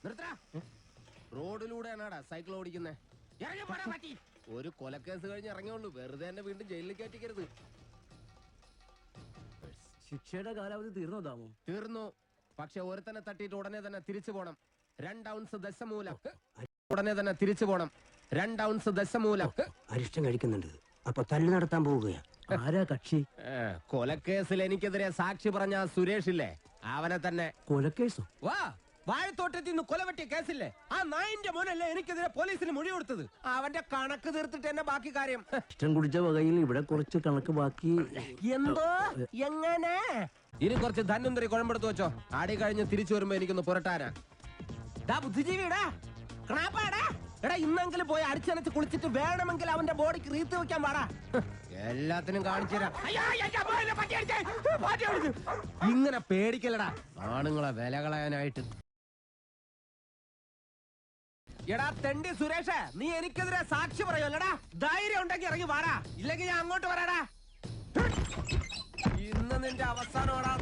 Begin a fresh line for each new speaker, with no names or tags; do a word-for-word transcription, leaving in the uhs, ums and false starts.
റോഡിലൂടെയാണാടാ cycle ഓടിക്കുന്നേ. ഒരു കൊലക്കേസ് കഴിഞ്ഞ് ഇറങ്ങിയുള്ളൂ, വെറുതെ എന്നെ വീണ്ടും ജയിലിൽ കയറ്റിക്കരുത്.
ശിക്ഷയുടെ കാലാവധി തീർന്നോ താമോ?
തീർന്നു. പക്ഷെ ഒരുത്തനെ തട്ടിയിട്ട് ഉടനെ തന്നെ തിരിച്ചു പോണം. രണ്ട് ഔൺസ് ദശമൂലം ഉടനെ തന്നെ തിരിച്ചു പോണം. രണ്ട് ഔൺസ് ദശമൂലം.
അരിഷ്ടം കഴിക്കുന്നുണ്ട്, അപ്പൊ തല്ലു നടത്താൻ പോവുകയാ. ആരാ കക്ഷി?
കൊലക്കേസിൽ എനിക്കെതിരെ സാക്ഷി പറഞ്ഞ സുരേഷ് ഇല്ലേ, അവനെ തന്നെ.
കൊലക്കേസോ?
വാ, വാഴത്തോട്ടത്തിൽ നിന്ന് കൊലവെട്ടിയ കേസില്ലേ, ആ നായിന്റെ മോനല്ലേ എനിക്കെതിരെ പോലീസിന് മൊഴി കൊടുത്തത്. അവന്റെ കണക്ക് തീർത്തിട്ട് എന്നെ ബാക്കി കാര്യം.
ഇഷ്ടം കുടിച്ച വകയിൽ ഇവിടെ കുറച്ച് കണക്ക് ബാക്കി.
എന്തോ എങ്ങനെ? ഇനി കുറച്ച് ധന്വന്തരി കുഴമ്പെടുത്ത് വെച്ചോ. ആടി കഴിഞ്ഞ് തിരിച്ചു വരുമ്പോ എനിക്കൊന്ന് പുരട്ടാനാ. ബുദ്ധിജീവിടാ, എടാ ഇന്നെങ്കിലും പോയി അടിച്ചനച്ച് കുളിച്ചിട്ട് വേണമെങ്കിൽ അവന്റെ ബോഡിക്ക് റീത്ത് വെക്കാൻ പാടാ. എല്ലാത്തിനും കാണിച്ചു തരാം. ഇങ്ങനെ പേടിക്കലടാ ആണുങ്ങളെ വില കളയാനായിട്ട്. എടാ തെണ്ടി സുരേഷ്, നീ എനിക്കെതിരെ സാക്ഷി പറയുമല്ലടാ. ധൈര്യം ഉണ്ടെങ്കിൽ ഇറങ്ങി വാടാ, ഇല്ലെങ്കിൽ ഞാൻ അങ്ങോട്ട് വരാടാ. ഇന്ന് നിന്റെ അവസാനമാടാ